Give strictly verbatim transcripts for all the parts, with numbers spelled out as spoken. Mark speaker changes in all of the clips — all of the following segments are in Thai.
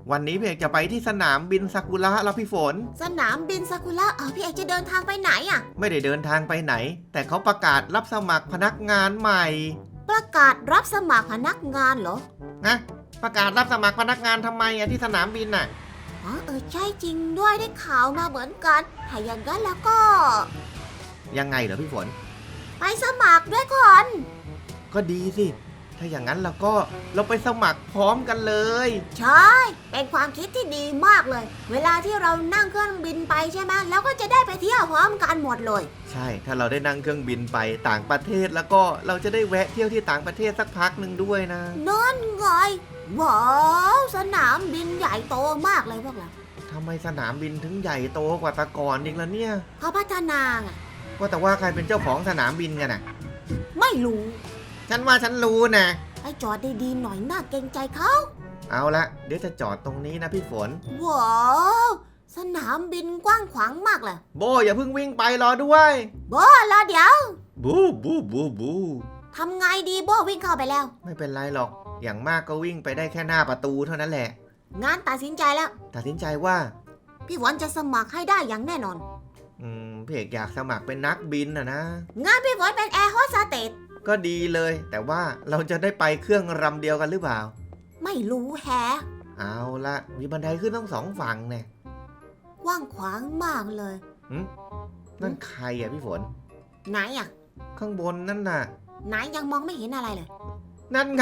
Speaker 1: วันนี้พี่เอกจะไปที่สนามบินซากุระแล้วพี่ฝน
Speaker 2: สนามบินซากุระเอาพี่เอกจะเดินทางไปไหนอ่ะ
Speaker 1: ไม่ได้เดินทางไปไหนแต่เขาประกาศรับสมัครพนักงานใหม่
Speaker 2: ประกาศรับสมัครพนักงานเหรอ
Speaker 1: นะประกาศรับสมัครพนักงานทำไมอะที่สนามบินน่ะ
Speaker 2: อ๋อเออใช่จริงด้วยได้ข่าวมาเหมือนกันถ้าอย่างนั้นแล้วก็
Speaker 1: ยังไงเหรอพี่ฝน
Speaker 2: ไปสมัครด้วยก่อน
Speaker 1: ก็ดีสิถ้าอย่างนั้นเราก็เราไปสมัครพร้อมกันเลย
Speaker 2: ใช่เป็นความคิดที่ดีมากเลยเวลาที่เรานั่งเครื่องบินไปใช่ไหมแล้วก็จะได้ไปเที่ยวพร้อมกันหมดเลย
Speaker 1: ใช่ถ้าเราได้นั่งเครื่องบินไปต่างประเทศแล้วก็เราจะได้แวะเที่ยวที่ต่างประเทศสักพักหนึ่งด้วยนะ
Speaker 2: นั่นไงว้าวสนามบินใหญ่โตมากเลยพวกเรา
Speaker 1: ทำไมสนามบินถึงใหญ่โตกว่าแต่ก่อนอีกล่ะเนี่ย
Speaker 2: เขาพัฒนาไง
Speaker 1: ว่าแต่ว่าใครเป็นเจ้าของสนามบินกันน่ะ
Speaker 2: ไม่รู้
Speaker 1: ฉันว่าฉันรู้นะ
Speaker 2: ให้จอดดีๆหน่อยน่าเกรงใจเขา
Speaker 1: เอาละเดี๋ยวจะจอดตรงนี้นะพี่ฝน
Speaker 2: ว้าวสนามบินกว้างขวางมากเลย
Speaker 1: โบอย่าเพิ่งวิ่งไปรอด้วย
Speaker 2: โบรอเดี๋ยว
Speaker 1: บูบูบูบู
Speaker 2: ทำไงดีโบวิ่งเข้าไปแล้ว
Speaker 1: ไม่เป็นไรหรอกอย่างมากก็วิ่งไปได้แค่หน้าประตูเท่านั้นแหละ
Speaker 2: งั้นตัดสินใจแล้ว
Speaker 1: ตัดสินใจว่า
Speaker 2: พี่ฝนจะสมัครให้ได้อย่างแน่นอน
Speaker 1: อืมพี่เอกอยากสมัครเป็นนักบินนะนะ
Speaker 2: งั้นพี่ฝนเป็นแอร์โฮสเตส
Speaker 1: ก็ดีเลยแต่ว่าเราจะได้ไปเครื่องลำเดียวกันหรือเปล่า
Speaker 2: ไม่รู้แฮะ
Speaker 1: เอาละมีบันไดขึ้นทั้งสองฝั่งเนี่ย
Speaker 2: กว้างขวางมากเลย
Speaker 1: หืมนั่นใครอ่ะพี่ฝน
Speaker 2: ไหนอ่ะ
Speaker 1: ข้างบนนั่นน่ะ
Speaker 2: ไหนยังมองไม่เห็นอะไรเลย
Speaker 1: นั่นไง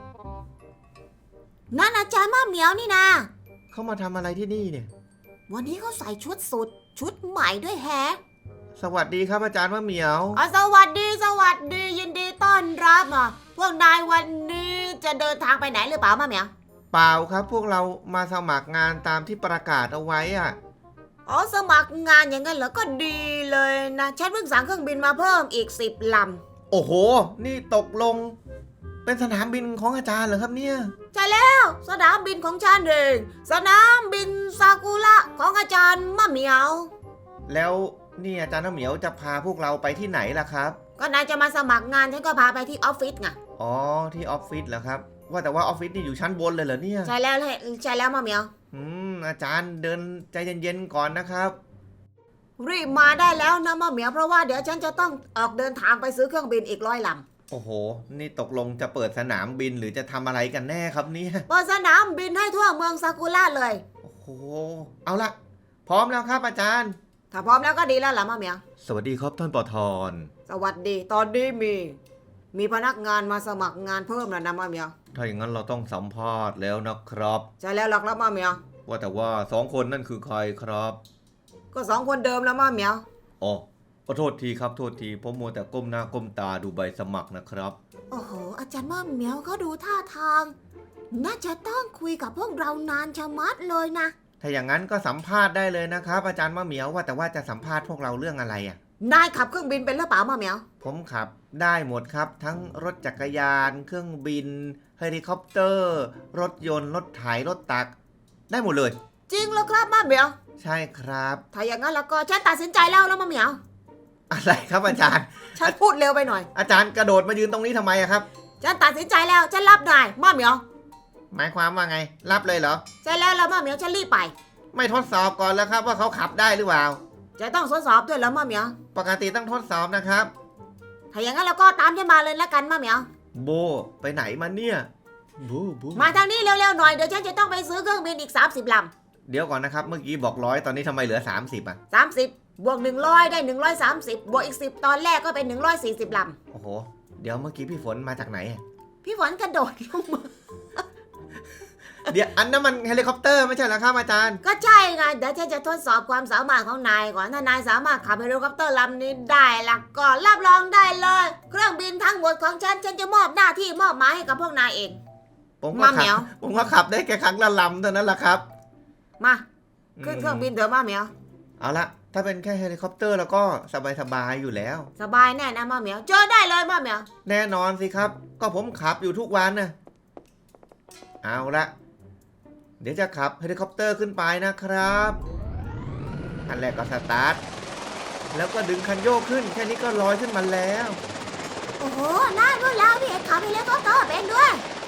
Speaker 2: นั่นอาจารย์ม่าเหมียวนี่นะ
Speaker 1: เขามาทำอะไรที่นี่เนี่ย
Speaker 2: วันนี้เขาใส่ชุดสุดชุดใหม่ด้วยแฮะ
Speaker 1: สวัสดีครับอาจารย์มะเหมียว
Speaker 2: อ๋อสวัสดีสวัสดียินดีต้อนรับอ่ะพวกนายวันนี้จะเดินทางไปไหนหรือเปล่ามะเหมียว
Speaker 1: เปล่าครับพวกเรามาสมัครงานตามที่ประกาศเอาไว้อ่ะ
Speaker 2: อ๋อสมัครงานอย่างนั้นเหรอก็ดีเลยนะฉันเพิ่งสั่งเครื่องบินมาเพิ่มอีกสิบล
Speaker 1: ำโอ้โหนี่ตกลงเป็นสนามบินของอาจารย์เหรอครับเนี่ย
Speaker 2: ใช่แล้วสนามบินของฉันเองสนามบินซากุระของอาจารย์มะเหมียว
Speaker 1: แล้วนี่อาจารย์มะเหมียวจะพาพวกเราไปที่ไหนล่ะครับ
Speaker 2: ก็นายจะมาสมัครงานฉันก็พาไปที่ออฟฟิศไง
Speaker 1: อ๋อที่ออฟฟิศเหรอครับว่าแต่ว่าออฟฟิศนี่อยู่ชั้นบนเลยเหรอเนี่ย
Speaker 2: ใช่แล้วใช่แล้วมะเหมียว
Speaker 1: อืมอาจารย์เดินใจเย็นๆก่อนนะครับ
Speaker 2: รีบมาได้แล้วนะมะเหมียวเพราะว่าเดี๋ยวฉันจะต้องออกเดินทางไปซื้อเครื่องบินอีกร้อยลำ
Speaker 1: โอ้โหนี่ตกลงจะเปิดสนามบินหรือจะทำอะไรกันแน่ครับเนี่ย
Speaker 2: เปิดสนามบินให้ทั่วเมืองซากุระเลย
Speaker 1: โอ้โหเอาละพร้อมแล้วครับอาจารย์
Speaker 2: ถ้าพร้อมแล้วก็ดีแล้วล่ะมะเหมียว
Speaker 1: สวัสดีครับท่านปทร
Speaker 2: สวัสดีตอนนี้มีมีพนักงานมาสมัครงานเพิ่มแล้วนะมะเหมียว
Speaker 1: ถ้าอย่างนั้นเราต้องสัมภาษณ์แล้วนะครับ
Speaker 2: ใช่แล้วหรอกครับมะเหมียว
Speaker 1: ว่าแต่ว่าสองคนนั่นคือใครครับ
Speaker 2: ก็สองคนเดิมแล้วมะเหมียว
Speaker 1: อ๋อขอโทษทีครับโทษทีผมมัวแต่ก้มหน้าก้มตาดูใบสมัครนะครับ
Speaker 2: โอ้โหอาจารย์มะเหมียวเขาดูท่าทางน่าจะต้องคุยกับพวกเรานานชะมัดเลยนะ
Speaker 1: ถ้าอย่างนั้นก็สัมภาษณ์ได้เลยนะครับอาจารย์มะเหมียวว่าแต่ว่าจะสัมภาษณ์พวกเราเรื่องอะไรอ่ะ
Speaker 2: นายขับเครื่องบินเป็นหรือเปล่ามะเหมียว
Speaker 1: ผมขับได้หมดครับทั้งรถจักรยานเครื่องบินเฮลิคอปเตอร์รถยนต์รถไถรถตักได้หมดเลย
Speaker 2: จริงเหรอครับมะเหมียว
Speaker 1: ใช่ครับ
Speaker 2: ถ้าอย่างนั้นแล้วก็ฉันตัดสินใจแล้วแล้วมะเหมียว
Speaker 1: อะไรครับอาจารย์
Speaker 2: ฉันพูดเร็วไปหน่อย
Speaker 1: อาจารย์กระโดดมายืนตรงนี้ทำไมครับ
Speaker 2: ฉันตัดสินใจแล้วฉันรับนายมะเหมียว
Speaker 1: หมายความว่าไงรับเลยเหรอ
Speaker 2: ใช่แล้วแล้วมะเหมียวฉันรีบไป
Speaker 1: ไม่ทดสอบก่อนแล้วครับว่าเขาขับได้หรือเปล่า
Speaker 2: จะต้องทดสอบด้วยแล้วมะเหมียว
Speaker 1: ปกติต้องทดสอบนะครับ
Speaker 2: ถ้าอย่างนั้นเราก็ตามฉันมาเลยแล้วกันมะเหมียว
Speaker 1: โบไปไหนมาเนี่ยบูบู
Speaker 2: มาทางนี้เร็วๆหน่อยเดี๋ยวฉันจะต้องไปซื้อเครื่องบินอีกสามสิบล
Speaker 1: ำเดี๋ยวก่อนนะครับเมื่อกี้บอกร้อยตอนนี้ทำไมเหลือสามสิบอ่ะ
Speaker 2: สามสิบบวกหนึ่งร้อยได้หนึ่งร้อยสามสิบบวกอีกสิบตอนแรกก็เป็นหนึ่งร้อยสี่สิบลำ
Speaker 1: โอ้โหเดี๋ยวเมื่อกี้พี่ฝนมาจากไหน
Speaker 2: พี่ฝนกระโดดลงมา
Speaker 1: เดี๋ยวอันนั้นมันเฮลิคอปเตอร์ไม่ใช่เหรอครับอาจารย์
Speaker 2: ก็ใช่ไงเดี๋ยวฉันจะทดสอบความสามารถของนายก่อนถ้านายสามารถขับเฮลิคอปเตอร์ลำนี้ได้ล่ะก็รับรองได้เลยเครื่องบินทั้งหมดของฉันฉันจะมอบหน้าที่มอบหมายให้กับพวกนายเอง
Speaker 1: ผมก็ขับผมก็ขับได้แค่ครั้งละลำเท่านั้นแหละครับ
Speaker 2: มาขึ้นเครื่องบินเดี๋ยวมาเหมียว
Speaker 1: เอาละถ้าเป็นแค่เฮลิคอปเตอร์แล้วก็สบายๆอยู่แล้ว
Speaker 2: สบายแน่นะมาเหมียวเจอได้เลยมาเหมียว
Speaker 1: แน่นอนสิครับก็ผมขับอยู่ทุกวันนะเอาละเดี๋ยวจะขับเฮลิคอปเตอร์ขึ้นไปนะครับอันแรกก็สตาร์ทแล้วก็ดึงคันโยกขึ้นแค่นี้ก็ลอยขึ้นมาแล้ว
Speaker 2: โอ้โหน่ารู้แล้วพี่เอกขับเฮลิคอปเตอร์เป็นด้วย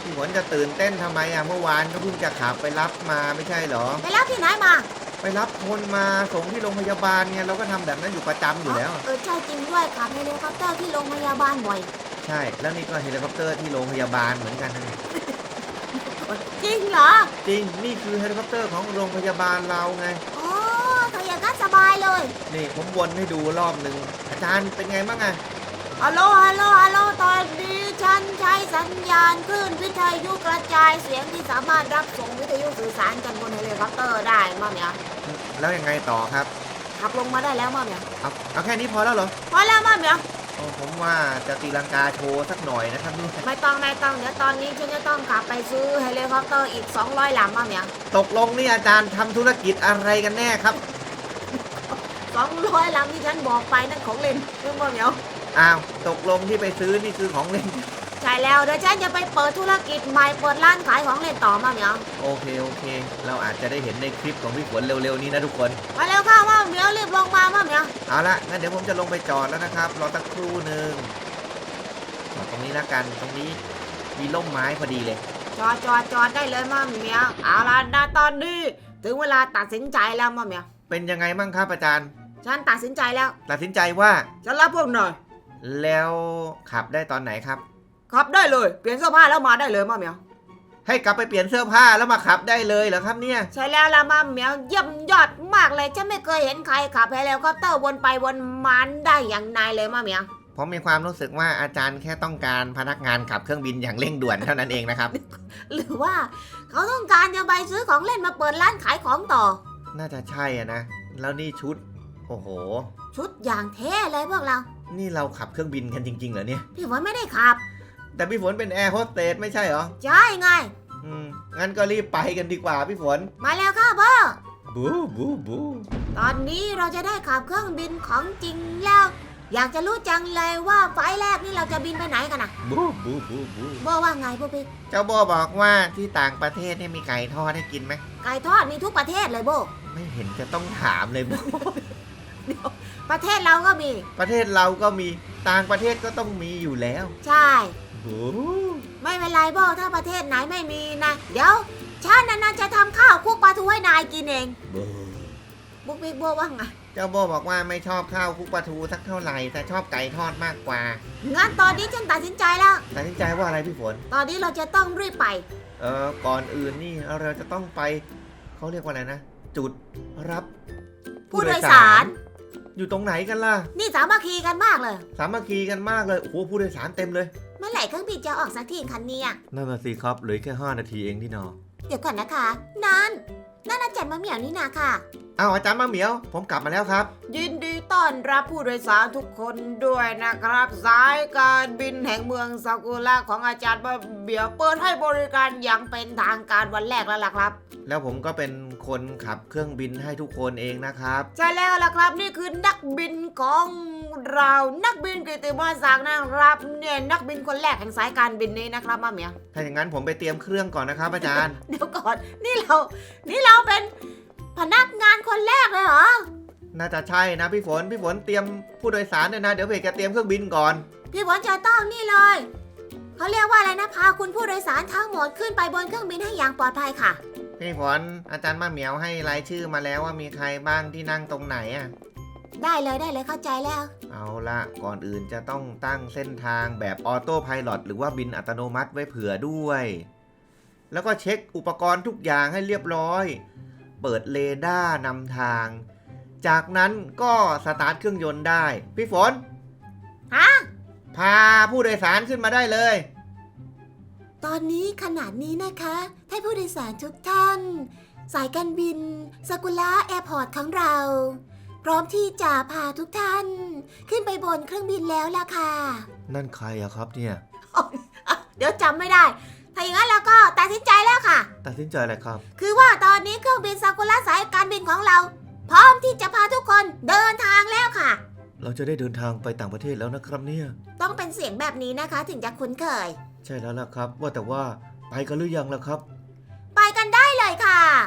Speaker 1: พี่ฝนจะตื่นเต้นทำไมอ่ะเมื่อวานก็เพิ่งจะขับไปรับมาไม่ใช่เหรอ
Speaker 2: ไปรับที่ไหนมา
Speaker 1: ไปรับคนมาส่งที่โรงพยาบาลไงเราก็ทำแบบนั้นอยู่ประจำอยู่แล้ว
Speaker 2: เออใช่จริงด้วยขับเฮลิคอปเตอร์ที่โรงพยาบาลบ่อย
Speaker 1: ใช่แล้วนี่ก็เฮลิคอปเตอร์ที่โรงพยาบาลเหมือนกันนะ
Speaker 2: จริงเหรอ
Speaker 1: จริงนี่คือเฮลิคอปเตอร์ของโรงพยาบาลเราไง
Speaker 2: โอ้ถ้าอย่างนั้นสบายเลย
Speaker 1: นี่ผมวนให้ดูรอบหนึ่งอาจารย์เป็นไงบ้างอะ
Speaker 2: ฮัลโหลฮัลโหลฮัลโหลตอนนี้ฉันใช้สัญญาณคลื่นวิทยุกระจายเสียงที่สามารถรับส่งวิทยุสื่อสารกันบนเฮลิคอปเตอร์ได้มาเหมียว
Speaker 1: แล้วยังไงต่อครับ
Speaker 2: ขับลงมาได้แล้วมาเหมียว
Speaker 1: เอาเอาแค่นี้พอแล้วเหรอ
Speaker 2: พอแล้วมาเหมียว
Speaker 1: โอ้ผมว่าจะตีลังกาโชว์สักหน่อยนะครับนี่
Speaker 2: ไม่ต้องไม่ต้องเดี๋ยวตอนนี้ฉันจะต้องขับไปซื้อเฮลิคอปเตอร์อีกสองร้อยลำมาเหมียว
Speaker 1: ตกลงนี่อาจารย์ทำธุรกิจอะไรกันแน่ครับ
Speaker 2: สองร้อยลำที่ฉันบอกไปนั่นของเล่นรู้มาเหมียว
Speaker 1: อ้าวตกลงที่ไปซื้อนี่คือของเล่น
Speaker 2: ใช่แล้วเดี๋ยวฉันจะไปเปิดธุรกิจใหม่เปิดร้านขายของเล่นต่อมาเหมียว
Speaker 1: โอเคโอเค เราอาจจะได้เห็นในคลิปของพี่ฝนเร็วๆนี้นะทุกคน
Speaker 2: มาเร็วเข้ามาเหมียวรีบลงมามาเหมียว
Speaker 1: เอาละงั้นเดี๋ยวผมจะลงไปจอดแล้วนะครับรอสักครู่หนึ่งจอดตรงนี้ละกันตรงนี้มีร่มไม้พอดีเลย
Speaker 2: จอดจอดจอดได้เลยมาเหมียวเอาล่ะนะตอนนี้ถึงเวลาตัดสินใจแล้วมาเหมียว
Speaker 1: เป็นยังไงบ้างครับอาจารย์
Speaker 2: ฉันตัดสินใจแล้ว
Speaker 1: ตัดสินใจว่า
Speaker 2: ฉันรับพวกหน่อย
Speaker 1: แล้วขับได้ตอนไหนครับ
Speaker 2: ขับได้เลยเปลี่ยนเสื้อผ้าแล้วมาได้เลยมาเหมียว
Speaker 1: ให้กลับไปเปลี่ยนเสื้อผ้าแล้วมาขับได้เลยเหรอครับเนี่ย
Speaker 2: ใช่แล้วละมาเหมียวเยี่ยมยอดมากเลยฉันไม่เคยเห็นใครขับเฮลิคอปเตอร์วนไปวนมาได้อย่างนายเลยมาเหมียว
Speaker 1: ผมมีความรู้สึกว่าอาจารย์แค่ต้องการพนักงานขับเครื่องบินอย่างเร่งด่วนเท่านั้นเองนะครับ
Speaker 2: หรือว่าเขาต้องการจะไปซื้อของเล่นมาเปิดร้านขายของต่อ
Speaker 1: น่าจะใช่อะนะ แล้วนี่ชุด โอ้โห
Speaker 2: ชุดอย่างเท่เลยพวกเรา
Speaker 1: นี่เราขับเครื่องบินกันจริงๆเหรอเนี่ย
Speaker 2: พี่ฝนไม่ได้ขับ
Speaker 1: แต่พี่ฝนเป็นแอร์โฮสเตสไม่ใช่เหรอ
Speaker 2: ใช่ไง
Speaker 1: อืม งั้นก็รีบไปกันดีกว่าพี่ฝน
Speaker 2: มาแล้วค่ะพ่อ
Speaker 1: บูบูบู
Speaker 2: ตอนนี้เราจะได้ขับเครื่องบินของจริงแล้ว อยากจะรู้จังเลยว่าไฟล์แรกนี่เราจะบินไปไหนกันนะ
Speaker 1: บูบูบูบู
Speaker 2: โบว่าไงพวกพี่
Speaker 1: เจ้าโบบอกว่าที่ต่างประเทศเนี่ยมีไก่ทอดให้กินไหม
Speaker 2: ไก่ทอดมีทุกประเทศเลยโบ
Speaker 1: ไม่เห็นจะต้องถามเลยโบ
Speaker 2: ประเทศเราก็มี
Speaker 1: ประเทศเราก็มี ต่างประเทศก็ต้องมีอยู่แล้ว
Speaker 2: ใช่
Speaker 1: บู
Speaker 2: ไม่เป็นไรโบถ้าประเทศไหนไม่มีนะเดี๋ยวฉันนั้นจะทำข้าวคลุกปลาทูให้นายกินเอง
Speaker 1: บู
Speaker 2: บุ๊กบิ๊กโบว่าไง
Speaker 1: เจ้าโบบอกว่าไม่ชอบข้าวคลุกปลาทูสักเท่าไหร่แต่ชอบไก่ทอดมากกว่า
Speaker 2: งั้นตอนนี้ฉันตัดสินใจแล้ว
Speaker 1: ตัดสินใจว่าอะไรพี่ฝน
Speaker 2: ตอนนี้เราจะต้องรีบไป
Speaker 1: เออก่อนอื่นนี่เราจะต้องไปเขาเรียกว่าอะไรนะ จุดรับ
Speaker 2: ผู้โดยสาร
Speaker 1: อยู่ตรงไหนกันล่ะ
Speaker 2: นี่สามัคคีกันมากเลย
Speaker 1: สามัคคีกันมากเลยโอ้โหผู้โดยสารเต็มเลย
Speaker 2: เมื่อไหร่เครื่องบินจะออกสักทีคันเนี้ย
Speaker 1: นั่นน่ะสิครับเหลือแค่ห้านาทีเองที่นอ
Speaker 2: เดี๋ยวก่อนนะคะนั่นนั่นอาจารย์มะเหมี่ยวนี่นาค่ะ
Speaker 1: เอาอาจารย์มาเหมียว ผมกลับมาแล้วครับ
Speaker 2: ยินดีต้อนรับผู้โดยสารทุกคนด้วยนะครับ สายการบินแห่งเมืองซากุระของอาจารย์มะเหมี่ยวเปิดให้บริการอย่างเป็นทางการวันแรกแล้วล่ะครับ
Speaker 1: แล้วผมก็เป็นคนขับเครื่องบินให้ทุกคนเองนะครับ
Speaker 2: ใช่แล้วล่ะครับนี่คือนักบินของเรานักบินกิตติมศักดิ์นะครับเนี่ยนักบินคนแรกแห่งสายการบินนี้นะครับมะเหมี่ยว
Speaker 1: ถ้าอย่างนั้นผมไปเตรียมเครื่องก่อนนะครับ อาจารย์
Speaker 2: เดี๋ยวก่อนนี่เรา นี่เราเป็นพนักงานคนแรกเลยเหรอ
Speaker 1: น่าจะใช่นะพี่ฝนพี่ฝนเตรียมผู้โดยสารเนี่ยนะเดี๋ยวเพจจะเตรียมเครื่องบินก่อน
Speaker 2: พี่ฝนจะต้องนี่เลยเขาเรียกว่าอะไรนะพาคุณผู้โดยสารทั้งหมดขึ้นไปบนเครื่องบินให้อย่างปลอดภัยค่ะ
Speaker 1: พี่ฝนอาจารย์มาเหมียวให้รายชื่อมาแล้วว่ามีใครบ้างที่นั่งตรงไหนอ่ะ
Speaker 2: ได้เลยได้เลยเข้าใจแล้ว
Speaker 1: เอาละก่อนอื่นจะต้องตั้งเส้นทางแบบออโต้ไพลอตหรือว่าบินอัตโนมัติไว้เผื่อด้วย แล้วก็เช็คอุปกรณ์ทุกอย่างให้เรียบร้อย เปิดเรดาร์นำทาง จากนั้นก็สตาร์ทเครื่องยนต์ได้ พี่ฝน
Speaker 2: ฮะ
Speaker 1: พาผู้โดยสารขึ้นมาได้เลย
Speaker 2: ตอนนี้ขนาดนี้นะคะให้ผู้โดยสารทุกท่าน สายการบินซากุระแอร์พอร์ตของเรา พร้อมที่จะพาทุกท่าน ขึ้นไปบนเครื่องบินแล้วล่ะค่ะ
Speaker 1: นั่นใครอะครับเนี่ย
Speaker 2: เดี๋ยวจำไม่ได้ ถ้าอย่างนั้นเราก็ตัดสินใจแล้วค่ะ
Speaker 1: ตัดสินใจอะไรครับ
Speaker 2: คือว่าตอนนี้เครื่องบินซากุระสายการบินของเรา พร้อมที่จะพาทุกคนเดินทางแล้วค่ะ
Speaker 1: เราจะได้เดินทางไปต่างประเทศแล้วนะครับเนี่ย
Speaker 2: ต้องเป็นเสียงแบบนี้นะคะถึงจะคุ้นเคย
Speaker 1: ใช่แล้วล่ะครับ ว่าแต่ว่าไปกันหรือยังล่ะครับ
Speaker 2: ไปกันได้เลยค่ะ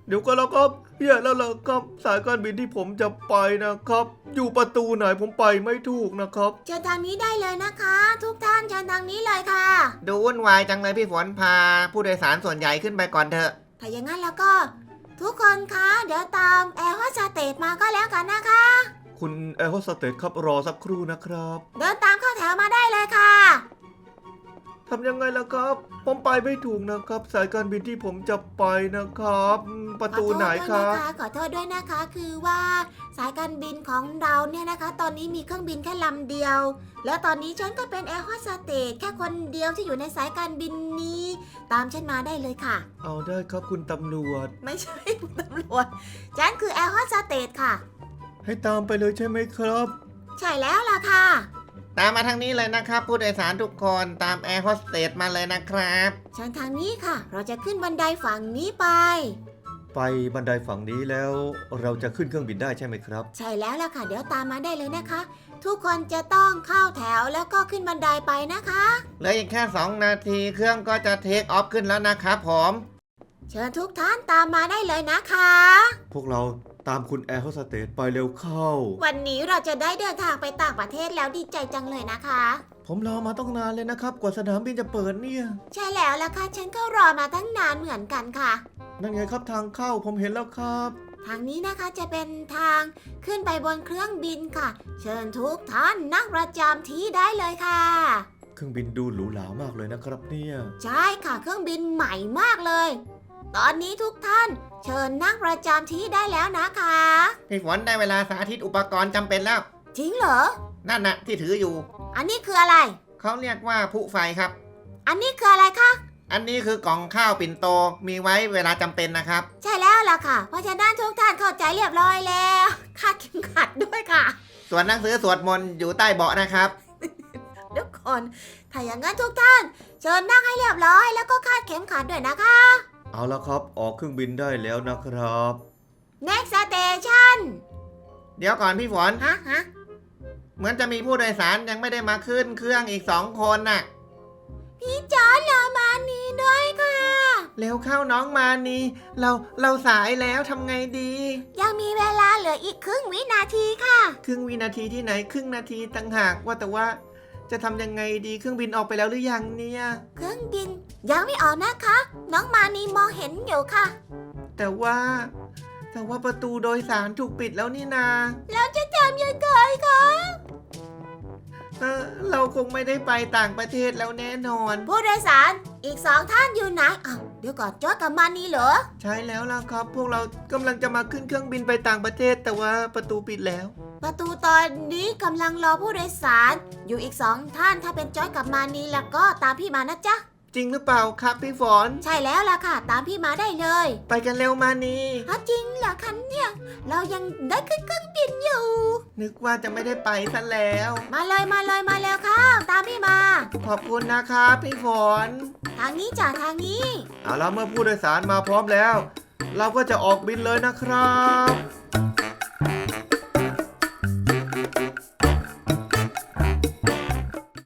Speaker 1: เดี๋ยวก็แล้วครับแย่แล้วล่ะครับสายการบินที่ผมจะไปนะครับ อยู่ประตูไหนผมไปไม่ถูกนะครับ
Speaker 2: เชิญทางนี้ได้เลยนะคะ ทุกท่านเชิญทางนี้เลยค่ะ
Speaker 1: ดูวุ่นวายจังเลยพี่ฝนพาผู้โดยสารส่วนใหญ่ขึ้นไปก่อนเถอะ
Speaker 2: ถ้าอย่างนั้นแล้วก็ ทุกคนคะเดี๋ยวตามแอร์โฮสเตสมาก็แล้วกันนะคะ
Speaker 1: คุณแอร์โฮสเตสครับรอสักครู่นะครับ
Speaker 2: เดินตามเข้าแถวมาได้เลยค่ะ
Speaker 1: ทำยังไงล่ะครับ ผมไปไม่ถูกนะครับ สายการบินที่ผมจะไปนะครับอืมประตูไหนครับ
Speaker 2: ขอโทษด้วยนะคะ คือว่าสายการบินของเราเนี่ยนะคะ ตอนนี้มีเครื่องบินแค่ลำเดียว แล้วตอนนี้ฉันก็เป็นแอร์โฮสเตสแค่คนเดียวที่อยู่ในสายการบินนี้ ตามฉันมาได้เลยค่ะ
Speaker 1: เอาได้ครับคุณตำรวจ
Speaker 2: ไม่ใช่คุณตำรวจฉันคือแอร์โฮสเตสค่ะ
Speaker 1: ให้ตามไปเลยใช่ไหมครับ
Speaker 2: ใช่แล้วล่ะค่ะ
Speaker 1: ตามมาทางนี้เลยนะครับ ผู้โดยสารทุกคนตามแอร์โฮสเตสมาเลยนะครับ
Speaker 2: เชิญทางนี้ค่ะ เราจะขึ้นบันไดฝั่งนี้ไป
Speaker 1: ไปบันไดฝั่งนี้แล้วเราจะขึ้นเครื่องบินได้ใช่ไหมครับ
Speaker 2: ใช่แล้วล่ะค่ะ เดี๋ยวตามมาได้เลยนะคะ ทุกคนจะต้องเข้าแถวแล้วก็ขึ้นบันไดไปนะคะ
Speaker 1: เหลืออีกแค่สองนาทีเครื่องก็จะเทคออฟขึ้นแล้วนะครับผม
Speaker 2: เชิญทุกท่านตามมาได้เลยนะคะ
Speaker 1: พวกเราตามคุณแอร์โฮสเตสไปเร็วเข้า
Speaker 2: วันนี้เราจะได้เดินทางไปต่างประเทศแล้วดีใจจังเลยนะคะ
Speaker 1: ผมรอมาต้องนานเลยนะครับ กว่าสนามบินจะเปิดเนี่ย
Speaker 2: ใช่แล้วล่ะค่ะ ฉันก็รอมาตั้งนานเหมือนกันค่ะ
Speaker 1: นั่นไงครับทางเข้าผมเห็นแล้วครับ
Speaker 2: ทางนี้นะคะจะเป็นทางขึ้นไปบนเครื่องบินค่ะ เชิญทุกท่านนั่งประจำที่ได้เลยค่ะ
Speaker 1: เครื่องบินดูหรูหรามากเลยนะครับเนี่ย
Speaker 2: ใช่ค่ะเครื่องบินใหม่มากเลย ตอนนี้ทุกท่าน เชิญนั่งประจำที่ได้แล้วนะคะ
Speaker 1: พี่ฝนได้เวลาสาธิตอุปกรณ์จำเป็นแล้ว
Speaker 2: จริงเหรอ
Speaker 1: นั่นนะที่ถืออยู่
Speaker 2: อันนี้คืออะไร
Speaker 1: เขาเรียกว่าผู้ไฟครับ
Speaker 2: อันนี้คืออะไรคะ
Speaker 1: อันนี้คือกล่องข้าวปิ่นโตมีไว้เวลาจำเป็นนะครับ
Speaker 2: ใช่แล้วล่ะค่ะ เพราะฉะนั้นทุกท่านเข้าใจเรียบร้อยแล้วคาดเข็มขัดด้วยค่ะ
Speaker 1: ส่วนหนังสือสวดมนต์อยู่ใต้เบาะนะครับ
Speaker 2: เดี๋ยวก่อนถ้าอย่างนั้นทุกท่าน เชิญนั่งให้เรียบร้อยแล้วก็คาดเข็มขัดด้วยนะคะ
Speaker 1: เอาละครับออกเครื่องบินได้แล้วนะครับ
Speaker 2: next station
Speaker 1: เดี๋ยวก่อนพี่ฝน
Speaker 2: ฮะฮะ
Speaker 1: เหมือนจะมีผู้โดยสารยังไม่ได้มาขึ้นเครื่องอีกสองคนน่ะ
Speaker 2: พี่จอร์จรอมานี้ด้วยค่ะ
Speaker 1: เร็วเข้าน้องมานีเราเราสายแล้วทำไงดี
Speaker 2: ยังมีเวลาเหลืออีกครึ่งวินาทีค่ะ
Speaker 1: ครึ่งวินาทีที่ไหนครึ่งนาทีต่างหากว่าแต่ว่าจะทำยังไงดีเครื่องบินออกไปแล้วหรือยังเนี่ย
Speaker 2: เครื่องบินยังไม่ออกนะคะ น้องมานีมองเห็นอยู่ค่ะ
Speaker 1: แต่ว่า แต่ว่าประตูโดยสารถูกปิดแล้วนี่นา
Speaker 2: แล้วจะทำยังไงคะ
Speaker 1: เออเราคงไม่ได้ไปต่างประเทศแล้วแน่นอน
Speaker 2: ผู้โดยสารอีกสองท่านอยู่ไหนอ้าวเดี๋ยวก่อนจอร์จกับมานีเหรอ
Speaker 1: ใช่แล้วล่ะครับ พวกเรากำลังจะมาขึ้นเครื่องบินไปต่างประเทศ แต่ว่าประตูปิดแล้ว
Speaker 2: ประตูตอนนี้กำลังรอผู้โดยสาร อยู่อีกสองท่านถ้าเป็นจอร์จกับมานีแล้วก็ตามพี่มานะจ๊ะ
Speaker 1: จริงหรือเปล่าครับพี่ฝน
Speaker 2: ใช่แล้วล่ะค่ะ ตามพี่มาได้เลย
Speaker 1: ไปกันเร็วมานี
Speaker 2: ฮะจริงเหรอคะเนี่ยเรายังได้ขึ้นเครื่องบินอยู่
Speaker 1: นึกว่าจะไม่ได้ไปซะแล้ว
Speaker 2: มาเลยมาเลยมาแล้วค่ะ ตามพี่มา
Speaker 1: ขอบคุณนะครับพี่ฝน
Speaker 2: ทางนี้จ้ะทางนี้
Speaker 1: เอาแล้วเมื่อผู้โดยสารมาพร้อมแล้ว เราก็จะออกบินเลยนะครับ